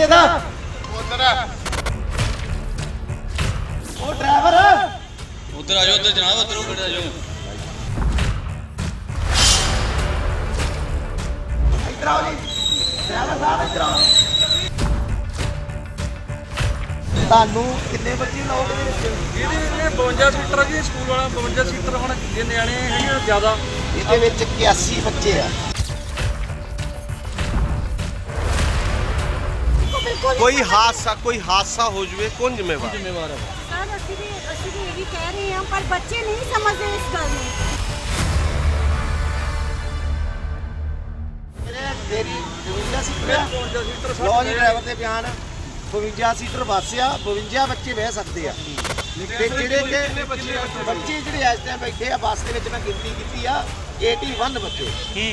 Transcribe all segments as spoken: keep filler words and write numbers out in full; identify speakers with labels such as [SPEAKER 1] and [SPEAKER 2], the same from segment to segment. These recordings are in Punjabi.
[SPEAKER 1] ਇਹਦਾ ਉਧਰ ਉਹ ਡਰਾਈਵਰ
[SPEAKER 2] उधर आ जाओ उधर जनाब उधर खड़े आ जाओ
[SPEAKER 1] इधर आओ जी ड्राइवर साहब इधर आओ ਤੁਹਾਨੂੰ ਕਿੰਨੇ ਬੱਚੇ ਲਾਓਗੇ ਇਹਦੇ ਵਿੱਚ
[SPEAKER 3] ਇਹਦੇ ਬਵੰਜਾ ਸੀਟਰ ਜੀ ਸਕੂਲ ਵਾਲਾ ਬਵੰਜਾ ਸੀਟਰ ਹੁਣ ਜੇ ਨਿਆਣੇ ਹੈਗੇ ਜ਼ਿਆਦਾ
[SPEAKER 1] ਇਹਦੇ ਵਿੱਚ ਇਕਿਆਸੀ ਬੱਚੇ ਆ
[SPEAKER 4] कोई हादसा कोई हादसा हो जाए कौन जिम्मेवार
[SPEAKER 2] जिम्मेवार है
[SPEAKER 5] सर ਅਸੀਂ ਵੀ ਅਸੀਂ ਵੀ ਇਹ ਵੀ ਕਹਿ ਰਹੇ ਹਾਂ ਪਰ ਬੱਚੇ ਨਹੀਂ ਸਮਝਦੇ ਇਸ ਗੱਲ ਨੂੰ
[SPEAKER 1] ਤੇਰੀ ਬਵੰਜਾ ਸੀਟਰ ਆ
[SPEAKER 3] ਬਵੰਜਾ ਸੀਟਰ
[SPEAKER 1] ਲੋ ਜੀ ਡਰਾਈਵਰ ਦੇ ਬਿਆਨ ਬਵੰਜਾ ਸੀਟਰ ਬੱਸ ਆ ਬਵੰਜਾ ਬੱਚੇ ਬਹਿ ਸਕਦੇ ਆ ਤੇ ਜਿਹੜੇ ਕਿ ਬੱਚੇ ਜਿਹੜੇ ਇਸ ਟਾਈਮ ਬੈਠੇ ਆ ਬੱਸ ਦੇ ਵਿੱਚ ਮੈਂ ਗਿਣਤੀ ਕੀਤੀ ਆ ਇਕਤਾਲੀ ਬੱਚੇ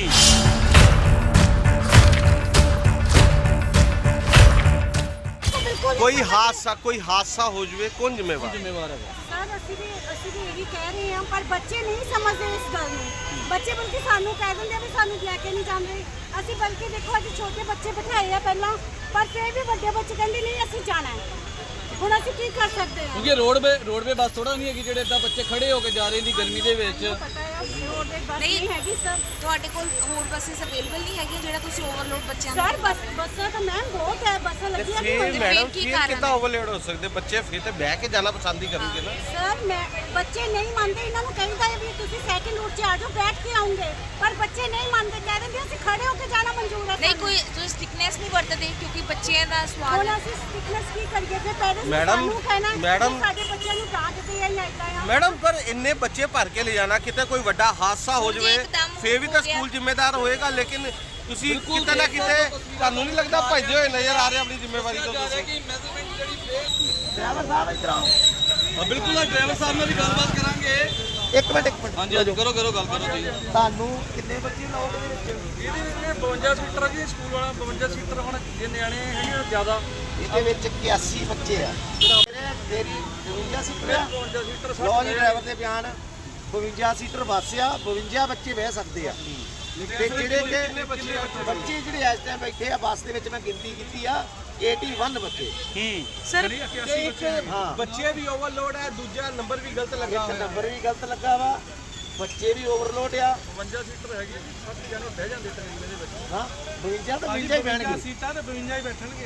[SPEAKER 4] कोई हादसा कोई हादसा हो जाए कौन जिम्मेवार
[SPEAKER 2] जिम्मेवार है
[SPEAKER 5] ਸਰ ਅਸੀਂ ਵੀ ਅਸੀਂ ਵੀ ਇਹ ਵੀ ਕਹਿ ਰਹੇ ਹਾਂ ਪਰ ਬੱਚੇ ਨਹੀਂ ਸਮਝਦੇ ਇਸ ਗੱਲ ਨੂੰ ਬੱਚੇ ਬਲਕਿ ਸਾਨੂੰ ਕਹਿ ਦਿੰਦੇ ਆ ਵੀ ਸਾਨੂੰ ਲੈ ਕੇ ਨਹੀਂ ਜਾਂਦੇ ਅਸੀਂ ਬਲਕਿ ਦੇਖੋ ਅੱਜ ਛੋਟੇ ਬੱਚੇ ਬਿਠਾਏ ਆ ਪਹਿਲਾਂ ਪਰ ਫਿਰ ਵੀ ਵੱਡੇ ਬੱਚੇ ਕਹਿੰਦੇ ਨਹੀਂ ਅਸੀਂ ਜਾਣਾ ਹੈ ਹੁਣ ਅਸੀਂ ਕੀ ਕਰ ਸਕਦੇ ਹਾਂ
[SPEAKER 2] क्योंकि रोडवे रोडवे बस थोड़ा नहीं है कि ਜਿਹੜੇ ਇਦਾਂ ਬੱਚੇ ਖੜੇ ਹੋ ਕੇ ਜਾ ਰਹੇ ਨੇ ਗਰਮੀ ਦੇ ਵਿੱਚ
[SPEAKER 5] ਪਤਾ ਹੈ ਰੋਡ ਦੇ ਬੱਸ ਨਹੀਂ ਹੈਗੀ ਸਰ
[SPEAKER 6] ਤੁਹਾਡੇ ਕੋਲ ਹੋਰ ਬੱਸਸ ਅਵੇਲੇਬਲ ਨਹੀਂ ਹੈਗੀਆਂ ਜਿਹੜਾ ਤੁਸੀਂ ਓਵਰਲੋਡ ਬੱਚਿਆਂ ਨੂੰ
[SPEAKER 5] ਸਰ ਬੱਸ ਬੱਸਾਂ ਤਾਂ ਮੈਮ ਬਹੁਤ ਹੈ ਬੱਸਾਂ ਲੱਗੀਆਂ ਵੀ
[SPEAKER 4] फिर
[SPEAKER 5] ਹੋਈਆਂ।
[SPEAKER 4] मैडम
[SPEAKER 6] की
[SPEAKER 4] फिर
[SPEAKER 6] कारण
[SPEAKER 4] कितना
[SPEAKER 6] है?
[SPEAKER 4] ओवरलोड हो सकते बच्चे फिर तो बह के जाना पसंद ही करेंगे ना
[SPEAKER 5] ਸਰ ਮੈਂ ਬੱਚੇ ਨਹੀਂ ਮੰਨਦੇ ਇਹਨਾਂ ਨੂੰ ਕਹਿੰਦਾ ਹੈ ਵੀ ਤੁਸੀਂ ਸੈਕਿੰਡ ਰੂਟ 'ਚ ਆ ਜਾਓ ਬੈਠ ਕੇ ਆਉਂਗੇ ਪਰ ਬੱਚੇ ਨਹੀਂ ਮੰਨਦੇ ਕਹਿ ਦਿੰਦੇ ਅਸੀਂ ਖੜੇ ਹੋ ਕੇ ਜਾਣਾ ਮਨਜ਼ੂਰ ਹੈ
[SPEAKER 6] ਨਹੀਂ
[SPEAKER 5] ਸਾਨੂੰ।
[SPEAKER 6] ਕੋਈ ਤੁਸੀਂ ਸਟਿਕਨੈਸ ਨਹੀਂ ਵਰਤਦੇ ਕਿਉਂਕਿ ਬੱਚਿਆਂ ਦਾ ਸਵਾਲ
[SPEAKER 5] ਹੁਣ ਅਸੀਂ ਸਟਿਕਨੈਸ ਕੀ ਕਰੀਏ ਫਿਰ ਪੈਰੈਂਟਸ
[SPEAKER 4] ਮੈਡਮ,
[SPEAKER 5] ਸਾਨੂੰ ਕਹਿਣਾ ਹੈ ਕਿ
[SPEAKER 4] ਮੈਡਮ,
[SPEAKER 5] ਸਾਡੇ ਬੱਚਿਆਂ ਨੂੰ ਡਾਂਟਦੇ ਆ ਜਾਂ ਇਦਾਂ ਆ
[SPEAKER 4] मैडम पर इन्ने बच्चे भर के ले जाना कितने कोई बड़ा हादसा हो जाए
[SPEAKER 6] एकदम
[SPEAKER 4] फिर भी
[SPEAKER 6] हो
[SPEAKER 4] तो
[SPEAKER 6] गया।
[SPEAKER 4] स्कूल जिम्मेदार होएगा लेकिन ਤੁਸੀਂ ਕਿਤੇ ਨਾ ਕਿਤੇ ਤੁਹਾਨੂੰ ਨਹੀਂ ਲੱਗਦਾ ਭੱਜਦੇ ਹੋਏ ਨਜ਼ਰ ਆ ਰਹੇ ਆਪਣੀ ਜ਼ਿੰਮੇਵਾਰੀ ਤੋਂ ਤੁਸੀਂ
[SPEAKER 2] ਕਿ ਮੈਜ਼ਰਮੈਂਟ ਜਿਹੜੀ
[SPEAKER 1] ਡਰਾਈਵਰ ਸਾਹਿਬ ਇੱਧਰ ਆਓ
[SPEAKER 2] ਹਾਂ ਬਿਲਕੁਲ ਆ ਡਰਾਈਵਰ ਸਾਹਿਬ ਨਾਲ ਵੀ ਗੱਲਬਾਤ ਕਰਾਂਗੇ
[SPEAKER 1] ਇੱਕ ਮਿੰਟ ਇੱਕ ਮਿੰਟ
[SPEAKER 2] ਹਾਂਜੀ ਹਾਂਜੀ ਕਰੋ ਕਰੋ ਗੱਲ ਕਰੋ ਜੀ
[SPEAKER 1] ਤੁਹਾਨੂੰ ਕਿੰਨੇ ਬੱਚੇ ਲਾਓਗੇ ਇਹਦੇ ਵਿੱਚ
[SPEAKER 3] ਇਹਦੇ ਬਵੰਜਾ ਸੀਟਰ ਜੀ ਸਕੂਲ ਵਾਲਾ ਬਵੰਜਾ ਸੀਟਰ ਹੁਣ ਜੇ ਨਿਆਣੇ ਹੈਗੇ ਜ਼ਿਆਦਾ
[SPEAKER 1] ਇਹਦੇ ਵਿੱਚ ਇਕਿਆਸੀ ਬੱਚੇ ਆ ਤੇਰੀ ਬਵੰਜਾ ਸੀਟਰ ਆ
[SPEAKER 3] ਬਵੰਜਾ ਸੀਟਰ
[SPEAKER 1] ਲੋ ਜੀ ਡਰਾਈਵਰ ਦੇ ਬਿਆਨ ਬਵੰਜਾ ਸੀਟਰ ਬੱਸ ਆ ਬਵੰਜਾ ਬੱਚੇ ਬਹਿ ਸਕਦੇ ਆ ਤੇ ਜਿਹੜੇ ਕਿ ਬੱਚੇ ਜਿਹੜੇ ਇਸ ਟਾਈਮ ਬੈਠੇ ਆ ਬੱਸ ਦੇ ਵਿੱਚ ਮੈਂ ਗਿਣਤੀ ਕੀਤੀ ਆ ਇਕਤਾਲੀ ਬੱਚੇ
[SPEAKER 5] ਸਰ
[SPEAKER 1] ਹਾਂ
[SPEAKER 4] ਬੱਚੇ ਵੀ ਓਵਰਲੋਡ ਹੈ ਦੂਜਾ ਨੰਬਰ ਵੀ ਗਲਤ ਲੱਗਾ
[SPEAKER 1] ਇੱਕ ਨੰਬਰ ਵੀ ਗਲਤ ਲੱਗਾ ਵਾ ਬੱਚੇ ਵੀ ਓਵਰਲੋਡ ਆ
[SPEAKER 3] ਬਵੰਜਾ ਸੀਟਰ ਹੈਗੀ ਸੱਤ ਜਣੇ ਬਹਿ ਜਾਂਦੇ ਟ੍ਰੇਨ ਦੇ ਵਿੱਚ
[SPEAKER 1] ਹਾਂ ਬਵੰਜਾ ਤਾਂ ਬਵੰਜਾ ਹੀ ਬਹਿਣਗੇ
[SPEAKER 3] ਸੀਟਾਂ ਤੇ ਬਵੰਜਾ ਹੀ ਬੈਠਣਗੇ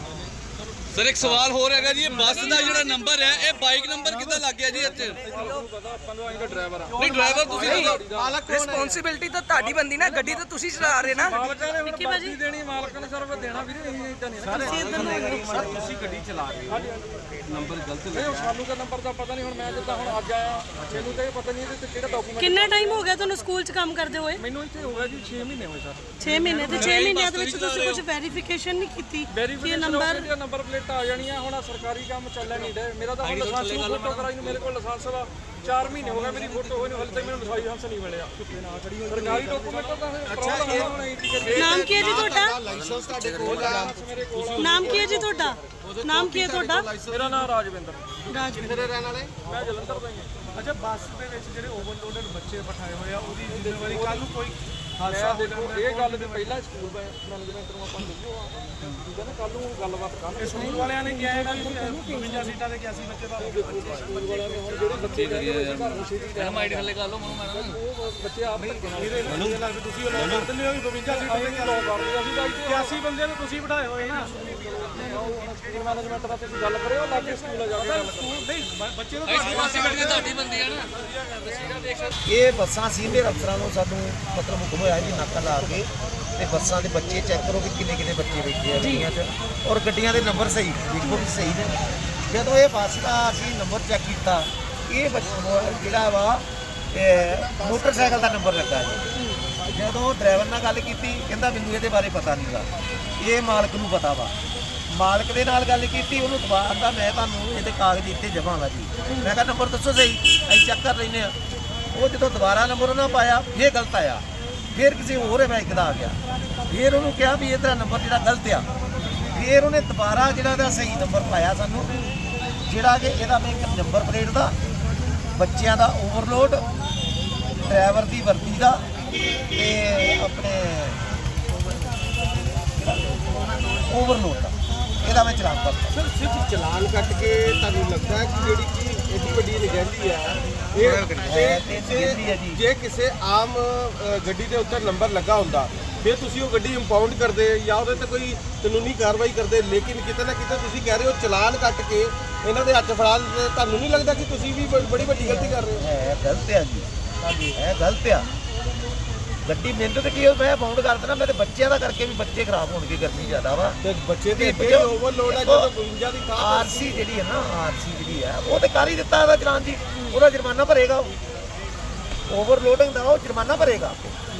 [SPEAKER 2] ਸਰ ਇੱਕ ਸਵਾਲ ਹੋਰ ਹੈਗਾ ਜੀ ਇਹ ਬੱਸ ਦਾ ਜਿਹੜਾ ਨੰਬਰ ਹੈ ਇਹ ਬਾਈਕ ਨੰਬਰ ਕਿੱਦਾਂ ਲੱਗ ਗਿਆ ਜੀ ਇੱਥੇ
[SPEAKER 3] ਪਤਾ ਆਪਾਂ ਨੂੰ ਆਏਗਾ ਡਰਾਈਵਰ ਆ
[SPEAKER 2] ਨਹੀਂ ਡਰਾਈਵਰ ਤੁਸੀਂ
[SPEAKER 4] ਮਾਲਕ
[SPEAKER 7] ਰਿਸਪੌਂਸਿਬਿਲਟੀ ਤਾਂ ਤੁਹਾਡੀ ਬੰਦੀ ਨਾ ਗੱਡੀ ਤਾਂ ਤੁਸੀਂ ਚਲਾ ਰਹੇ ਨਾ
[SPEAKER 3] ਮਾਲਕਾਂ ਨੇ ਹੁਣ ਬਾਜੀ ਦੇਣੀ ਮਾਲਕਾਂ ਨੇ ਸਰਵ ਦੇਣਾ ਵੀਰੇ ਅਸੀਂ ਇਦਾਂ ਨਹੀਂ
[SPEAKER 4] ਸਰ ਤੁਸੀਂ ਗੱਡੀ ਚਲਾ ਰਹੇ ਹੋ ਨੰਬਰ ਗਲਤ
[SPEAKER 3] ਨਹੀਂ ਹੁਣ ਸਾਨੂੰ ਤਾਂ ਨੰਬਰ ਦਾ ਪਤਾ ਨਹੀਂ ਹੁਣ ਮੈਂ ਜਿੱਦਾਂ ਹੁਣ ਅੱਜ ਆਇਆ ਮੈਨੂੰ ਤਾਂ ਇਹ ਪਤਾ ਨਹੀਂ ਇਹਦੇ ਤੇ ਕਿਹੜਾ ਡਾਕੂਮੈਂਟ
[SPEAKER 8] ਕਿੰਨਾ ਟਾਈਮ ਹੋ ਗਿਆ ਤੁਹਾਨੂੰ ਸਕੂਲ 'ਚ ਕੰਮ ਕਰਦੇ ਹੋਏ
[SPEAKER 3] ਮੈਨੂੰ ਇੱਥੇ ਹੋ ਗਿਆ ਜੀ ਛੇ ਮਹੀਨੇ ਹੋਏ ਸਰ
[SPEAKER 8] ਛੇ ਮਹੀਨੇ ਤੇ ਛੇ ਮਹੀਨਿਆਂ ਦੇ ਵਿੱਚ ਤੁਸੀਂ ਕੁਝ ਵੈਰੀਫਿਕੇਸ਼ਨ ਨਹੀਂ ਕੀਤੀ ਕਿ
[SPEAKER 3] verification
[SPEAKER 8] number
[SPEAKER 3] number number plate ਆ ਜਾਣੀਆਂ ਹੁਣ ਆਹ ਸਰਕਾਰੀ ਕੰਮ ਚੱਲਣ ਨਹੀਂ ਡੇ ਮੇਰਾ ਤਾਂ ਹੁਣ ਲਾਇਸੈਂਸ ਨੂੰ ਫੋਟੋ ਕਰਾਈ ਨੂੰ ਮੇਰੇ ਕੋਲ ਲਾਇਸੈਂਸ ਵਾ ਚਾਰ ਮਹੀਨੇ ਹੋ ਗਏ ਮੇਰੀ ਫੋਟੋ ਹੋਈ ਨੂੰ ਹਲੇ ਤੱਕ ਮੈਨੂੰ ਲਾਇਸੈਂਸ ਨਹੀਂ ਮਿਲਿਆ ਸਰਕਾਰੀ ਡਾਕੂਮੈਂਟ ਤਾਂ ਪ੍ਰੋਬਲਮ ਹੈ ਹੁਣ ਇਹ
[SPEAKER 8] ਨਾਮ ਕੀ ਹੈ ਜੀ ਤੁਹਾਡਾ
[SPEAKER 4] ਲਾਇਸੈਂਸ ਤੁਹਾਡੇ ਕੋਲ ਆ
[SPEAKER 3] ਮੇਰੇ ਕੋਲ
[SPEAKER 8] ਨਾਮ ਕੀ ਹੈ ਜੀ ਤੁਹਾਡਾ ਨਾਮ ਕੀ ਹੈ ਤੁਹਾਡਾ
[SPEAKER 3] ਮੇਰਾ ਨਾਮ ਰਾਜਵਿੰਦਰ
[SPEAKER 8] ਰਾਜਵਿੰਦਰ
[SPEAKER 4] ਕਿੱਥੇ ਰਹਿਣ ਵਾਲੇ
[SPEAKER 3] ਮੈਂ ਜਲੰਧਰ ਦਾ ਹੀ ਹਾਂ
[SPEAKER 9] ਅੱਛਾ ਬੱਸ ਦੇ ਵਿੱਚ ਜਿਹੜੇ ਓਵਰਲੋਡਡ ਬੱਚੇ ਬਿਠਾਏ ਹੋਏ ਆ ਉਹਦੀ ਜ਼ਿੰਮੇਵਾਰੀ ਕੱਲ ਨੂੰ ਕੋਈ ਹਾਦਸਾ
[SPEAKER 3] ਮੈਂ
[SPEAKER 9] ਹੋ
[SPEAKER 3] ਦੇਖੋ ਇਹ ਗੱਲ ਵੀ ਪਹਿਲਾਂ ਸਕੂਲ ਮੈਨੇਜਮੈਂਟ ਨੂੰ ਆਪਾਂ ਦੱਸਿਓ ਆ ਠੀਕ ਹੈ ਨਾ ਕੱਲ ਨੂੰ ਗੱਲਬਾਤ ਕਰਾਂਗੇ
[SPEAKER 9] ਸਕੂਲ ਵਾਲਿਆਂ ਨੇ ਕਿਹਾ ਹੈ ਕਿ ਬਵੰਜਾ ਸੀਟਾਂ ਦੇ ਇਕਿਆਸੀ ਬੱਚੇ ਦਾ
[SPEAKER 3] ਸਕੂਲ ਵਾਲਿਆਂ ਨੇ ਹੁਣ ਜਿਹੜੇ ਬੱਚੇ
[SPEAKER 2] ਐਮ ਆਈਡੀ ਥੱਲੇ ਕਰ ਲਓ ਮਨੂੰ ਮੈਡਮ
[SPEAKER 3] ਉਹ ਬੱਚੇ ਆਪ ਧੱਕੇ ਨਾਲ
[SPEAKER 9] ਮੈਨੂੰ ਲੱਗਦਾ ਤੁਸੀਂ ਉਹ ਲੋਕ ਕਰਦੇ ਹੋ ਵੀ ਬਵੰਜਾ ਸੀਟਾਂ ਦੇ
[SPEAKER 3] ਲੋ ਕਰਦੇ ਅਸੀਂ ਤਾਂ ਇੱਥੇ
[SPEAKER 9] ਇਕਿਆਸੀ ਬੰਦਿਆਂ ਨੂੰ ਤੁਸੀਂ ਬਿਠਾਏ ਹੋਏ ਨਾ
[SPEAKER 3] ਸਕੂਲ ਮੈਨੇਜਮੈਂਟ ਦਾ ਤੁਸੀਂ ਗੱਲ ਕਰਿਓ ਲਾਗੇ ਸਕੂਲ ਆ ਜਾ ਕੇ ਗੱਲ
[SPEAKER 9] ਸਕੂਲ ਨਹੀਂ ਬ- ਬੱਚੇ ਨੂੰ
[SPEAKER 2] ਰਿਸਪੌਂਸਿਬਿਲਟੀ ਤੁਹਾਡੀ ਬੰਦੀ ਹੈ ਨਾ
[SPEAKER 1] ਇਹ ਬੱਸਾਂ ਸੀਨੀਅਰ ਅਫਸਰਾਂ ਨੂੰ ਸਾਨੂੰ ਮਤਲਬ ਹੁਕਮ ਹੋਇਆ ਵੀ ਨਾਕਾ ਲਾ ਕੇ ਤੇ ਬੱਸਾਂ ਦੇ ਬੱਚੇ ਚੈੱਕ ਕਰੋ ਕਿ ਕਿੰਨੇ ਕਿੰਨੇ ਬੱਚੇ ਬੈਠੇ ਆ ਗੱਡੀਆਂ 'ਚ ਔਰ ਗੱਡੀਆਂ ਦੇ ਨੰਬਰ ਸਹੀ ਦੇਖੋ ਵੀ ਸਹੀ ਨੇ ਜਦੋਂ ਇਹ ਬੱਸ ਦਾ ਅਸੀਂ ਨੰਬਰ ਚੈੱਕ ਕੀਤਾ ਇਹ ਬੱਚਾ ਜਿਹੜਾ ਵਾ ਇਹ ਮੋਟਰਸਾਈਕਲ ਦਾ ਨੰਬਰ ਲੱਗਾ ਜੀ ਜਦੋਂ ਡਰਾਈਵਰ ਨਾਲ ਗੱਲ ਕੀਤੀ ਕਹਿੰਦਾ ਮੈਨੂੰ ਇਹਦੇ ਬਾਰੇ ਪਤਾ ਨਹੀਂ ਗਾ ਇਹ ਮਾਲਕ ਨੂੰ ਪਤਾ ਵਾ ਮਾਲਕ ਦੇ ਨਾਲ ਗੱਲ ਕੀਤੀ ਉਹਨੂੰ ਦੁਬਾਰਾ ਦਾ ਮੈਂ ਤੁਹਾਨੂੰ ਇਹਦੇ ਕਾਗਜ਼ ਇੱਥੇ ਜਮ੍ਹਾਂ ਵਾ ਜੀ ਮੈਂ ਕਿਹਾ ਨੰਬਰ ਦੱਸੋ ਸਹੀ ਅਸੀਂ ਚੈੱਕ ਕਰ ਲੈਂਦੇ ਆ ਉਹ ਜਦੋਂ ਦੁਬਾਰਾ ਨੰਬਰ ਉਹਨਾਂ ਪਾਇਆ ਫੇਰ ਗਲਤ ਆਇਆ ਫਿਰ ਕਿਸੇ ਹੋਰ ਬਾਈਕ ਦਾ ਆ ਗਿਆ ਫਿਰ ਉਹਨੂੰ ਕਿਹਾ ਵੀ ਇਹਦਾ ਨੰਬਰ ਜਿਹੜਾ ਗਲਤ ਆ ਫਿਰ ਉਹਨੇ ਦੁਬਾਰਾ ਜਿਹੜਾ ਦਾ ਸਹੀ ਨੰਬਰ ਪਾਇਆ ਸਾਨੂੰ ਜਿਹੜਾ ਕਿ ਇਹਦਾ ਮੈਂ ਇੱਕ ਨੰਬਰ ਪਲੇਟ ਦਾ ਬੱਚਿਆਂ ਦਾ ਓਵਰਲੋਡ ਡਰਾਈਵਰ ਦੀ ਵਰਦੀ ਦਾ ਤੇ ਆਪਣੇ ਓਵਰਲੋਡ ਦਾ ਇਹਦਾ ਮੈਂ ਚਲਾਨ ਕਰਤਾ।
[SPEAKER 4] ਸਰ ਸਿਰਫ ਚਲਾਨ ਕੱਟ ਕੇ ਤੁਹਾਨੂੰ ਲੱਗਦਾ ਹੈ ਕਿ ਜਿਹੜੀ ਕਿ ਏਡੀ ਵੱਡੀ ਨਿਗਹਿਲੀ ਹੈ ਇਹ
[SPEAKER 1] ਹੈ ਤੇ ਨਿਗਹਿਲੀ ਹੈ ਜੀ।
[SPEAKER 4] ਜੇ ਕਿਸੇ ਆਮ ਅ, ਗੱਡੀ ਦੇ ਉੱਤੇ ਨੰਬਰ ਲੱਗਾ ਹੁੰਦਾ ਫਿਰ ਤੁਸੀਂ ਉਹ ਗੱਡੀ ਇੰਪਾਊਂਡ ਕਰਦੇ ਜਾਂ ਉਹਦੇ ਤੇ ਕੋਈ ਕਾਨੂੰਨੀ ਕਾਰਵਾਈ ਕਰਦੇ, ਲੇਕਿਨ ਕਿਤੇ ਨਾ ਕਿਤੇ ਤੁਸੀਂ ਕਹਿ ਰਹੇ ਹੋ ਚਲਾਨ ਕੱਟ ਕੇ ਇਹਨਾਂ ਦੇ ਹੱਥ ਫੜਾ ਦਿੰਦੇ। ਤੁਹਾਨੂੰ ਨਹੀਂ ਲੱਗਦਾ ਕਿ ਤੁਸੀਂ ਵੀ ਬ- ਬੜੀ ਵੱਡੀ ਗਲਤੀ ਕਰ ਰਹੇ ਹੋ?
[SPEAKER 1] ਹੈ ਗਲਤ ਆ ਜੀ, ਹਾਂਜੀ ਹੈ ਗਲਤ ਆ। ਗੱਡੀ ਮੈਨੂੰ ਤੇ ਕੀ ਹੋਇਆ, ਮੈਂ ਬਾਉਂਡ ਕਰ ਦੇਣਾ, ਮੇਰੇ ਬੱਚਿਆਂ ਦਾ ਕਰਕੇ ਵੀ ਬੱਚੇ ਖਰਾਬ ਹੋਣਗੇ, ਗਰਮੀ ਜ਼ਿਆਦਾ ਵਾ
[SPEAKER 4] ਤੇ ਬੱਚੇ ਤੇ
[SPEAKER 1] ਤੇ
[SPEAKER 4] ਇੱਥੇ ਓਵਰਲੋਡ ਹੈ ਜਦੋਂ ਬਵੰਜਾ ਦੀ ਥਾਂ ਤੇ
[SPEAKER 1] ਆਰਸੀ ਜਿਹੜੀ ਹੈ ਨਾ, ਆਰਸੀ ਜਿਹੜੀ ਹੈ ਉਹ ਤੇ ਕਰ ਹੀ ਦਿੱਤਾ ਇਹਦਾ ਚਲਾਨ ਜੀ, ਉਹਦਾ ਜੁਰਮਾਨਾ ਭਰੇਗਾ ਉਹ। ਓਵਰਲੋਡਿੰਗ ਦਾ ਉਹ ਜੁਰਮਾਨਾ ਭਰੇਗਾ।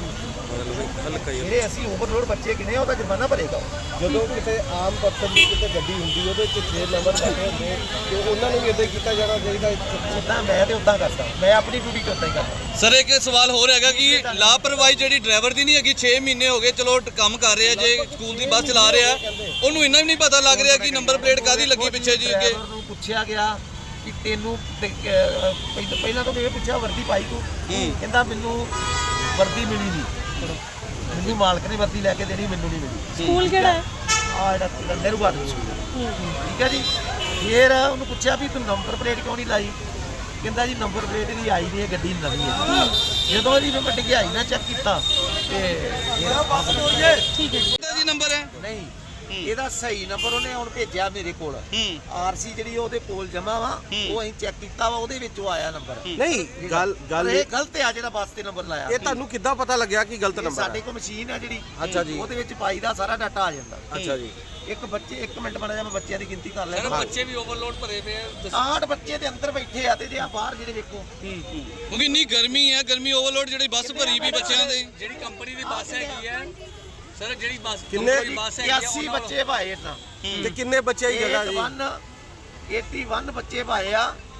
[SPEAKER 1] ਜਿਹੜੇ ਅਸੀਂ ਓਵਰਲੋਡ ਬੱਚੇ ਕਿਨੇ ਉਹਦਾ ਜੁਰਮਾਨਾ ਭਰੇਗਾ ਉਹ।
[SPEAKER 4] ਜਦੋਂ ਕਿਤੇ ਆਮ ਪਰਸਨ ਦੀ ਕਿਤੇ ਗੱਡੀ ਹੁੰਦੀ ਉਹਦੇ ਚ ਛੇ ਨੰਬਰ ਬੈਠੇ ਹੁੰਦੇ ਤੇ ਉਹਨਾਂ ਨੂੰ ਵੀ ਇਦਾਂ ਕੀਤਾ ਜਾਣਾ ਚਾਹੀਦਾ।
[SPEAKER 1] ਜਿੱਦਾਂ ਮੈਂ ਤੇ ਉਦਾਂ ਕਰਦਾ, ਮੈਂ ਆਪਣੀ ਡਿਊਟੀ ਚ ਉਦਾਂ ਹੀ ਕਰਦਾ।
[SPEAKER 2] ਸਰ ਇੱਕ ਸਵਾਲ ਹੋਰ ਹੈਗਾ ਕਿ ਲਾਪਰਵਾਹੀ ਜਿਹੜੀ ਡਰਾਈਵਰ ਦੀ ਨਹੀਂ ਹੈਗੀ, ਛੇ ਮਹੀਨੇ ਹੋ ਗਏ ਚਲੋ ਕੰਮ ਕਰ ਰਿਹਾ, ਜੇ ਸਕੂਲ ਦੀ ਬੱਸ ਚਲਾ ਰਿਹਾ, ਉਹਨੂੰ ਇੰਨਾ ਵੀ ਨਹੀਂ ਪਤਾ ਲੱਗ ਰਿਹਾ ਕਿ ਨੰਬਰ ਪਲੇਟ ਕਾਹਦੀ ਲੱਗੀ ਪਿੱਛੇ ਜੀ ਅੱਗੇ।
[SPEAKER 1] ਡਰਾਈਵਰ ਨੂੰ ਪੁੱਛਿਆ ਗਿਆ ਕਿ ਤੈਨੂੰ ਤੇ, ਅਹ, ਪਹਿਲਾਂ ਪਹਿਲਾਂ ਤਾਂ ਇਹ ਪੁੱਛਿਆ ਵਰਦੀ ਪਾਈ ਤੂੰ? ਕਹਿੰਦਾ ਮੈਨੂੰ ਵਰਦੀ ਮਿਲੀ ਨਹੀਂ, ਮੈਨੂੰ ਮਾਲਕ ਨੇ ਵਰਦੀ ਲੈ ਕੇ ਦੇਣੀ, ਮੈਨੂੰ ਨਹੀਂ ਮਿਲੀ।
[SPEAKER 8] ਸਕੂਲ ਕਿਹੜਾ ਹੈ?
[SPEAKER 1] ਆ ਜਿਹੜਾ ਨਹਿਰੂ ਗਾਰਡਨ ਸਕੂਲ, ਠੀਕ ਹੈ ਜੀ। ਫਿਰ ਉਹਨੂੰ ਪੁੱਛਿਆ ਵੀ ਤੂੰ ਨੰਬਰ ਪਲੇਟ ਕਿਉਂ ਨਹੀਂ ਲਾਈ? ਕਹਿੰਦਾ ਜੀ ਨੰਬਰ ਪਲੇਟ ਇਹਦੀ ਆਈ ਨਹੀਂ ਹੈ, ਗੱਡੀ ਨਵੀਂ ਹੈ। ਜਦੋਂ ਇਹਦੀ ਮੈਂ ਡਿਗਾਈ ਨਾ ਚੈੱਕ ਕੀਤਾ ਤੇ
[SPEAKER 8] ਠੀਕ ਹੈ ਜੀ।
[SPEAKER 2] ਇਹਦਾ ਜੀ ਨੰਬਰ ਹੈ
[SPEAKER 1] ਨਹੀਂ, ਇਹਦਾ ਸਹੀ ਨੰਬਰ ਉਹਨੇ ਹੁਣ ਭੇਜਿਆ ਮੇਰੇ ਕੋਲ। ਆਰਸੀ ਜਿਹੜੀ ਉਹਦੇ ਕੋਲ ਜਮਾ ਵਾ, ਉਹ ਅਸੀਂ ਚੈੱਕ ਕੀਤਾ ਵਾ, ਉਹਦੇ ਵਿੱਚੋਂ ਆਇਆ ਨੰਬਰ।
[SPEAKER 4] ਨਹੀਂ ਗੱਲ ਗੱਲ
[SPEAKER 1] ਇਹ ਗਲਤ ਆ ਜਿਹੜਾ ਬੱਸ ਤੇ ਨੰਬਰ ਲਾਇਆ।
[SPEAKER 4] ਇਹ ਤੁਹਾਨੂੰ ਕਿੱਦਾਂ ਪਤਾ ਲੱਗਿਆ ਕਿ ਗਲਤ
[SPEAKER 1] ਇਹ
[SPEAKER 4] ਨੰਬਰ
[SPEAKER 1] ਸਾਡੇ
[SPEAKER 4] ਹੈ?
[SPEAKER 1] ਕੋਲ ਮਸ਼ੀਨ ਆ ਜਿਹੜੀ,
[SPEAKER 4] ਅੱਛਾ ਜੀ।
[SPEAKER 1] ਉਹਦੇ ਵਿੱਚ ਪਾਈ ਦਾ ਸਾਰਾ ਡਾਟਾ ਆ ਜਾਂਦਾ।
[SPEAKER 4] ਅੱਛਾ ਜੀ।
[SPEAKER 1] ਇੱਕ ਬੱਚੇ ਇੱਕ ਮਿੰਟ ਬਣਾ ਜਾ, ਮੈਂ ਬੱਚਿਆਂ ਦੀ ਗਿਣਤੀ ਕਰ ਲੈਣਾ।
[SPEAKER 2] ਬੱਚੇ ਵੀ ਓਵਰਲੋਡ ਭਰੇ ਪਏ ਆ
[SPEAKER 1] ਆਠ ਬੱਚੇ ਦੇ ਅੰਦਰ ਬੈਠੇ ਆ ਤੇ ਜੇ ਆ ਬਾਹਰ ਜਿਹੜੇ ਵੇਖੋ,
[SPEAKER 2] ਕਿਉਂਕਿ ਇੰਨੀ ਗਰਮੀ ਹੈ, ਗਰਮੀ ਓਵਰਲੋਡ ਜਿਹੜੀ ਬੱਸ ਭਰੀ ਵੀ ਬੱਚਿਆਂ ਦੇ।
[SPEAKER 3] ਜਿਹੜੀ ਕੰਪਨੀ ਦੀ ਬੱਸ ਹੈਗੀ ਹੈ ਸਰ, ਜਿਹੜੀ ਬੱਸ
[SPEAKER 4] ਕਿੰਨੇ
[SPEAKER 1] ਇਕਿਆਸੀ ਬੱਚੇ ਪਾਏ ਇਦਾਂ।
[SPEAKER 4] ਤੇ ਕਿੰਨੇ ਬੱਚੇ ਦੀ ਜਗ੍ਹਾ ਜੀ?
[SPEAKER 1] ਇਕਤਾਲੀ ਬੱਚੇ ਪਾਏ ਆ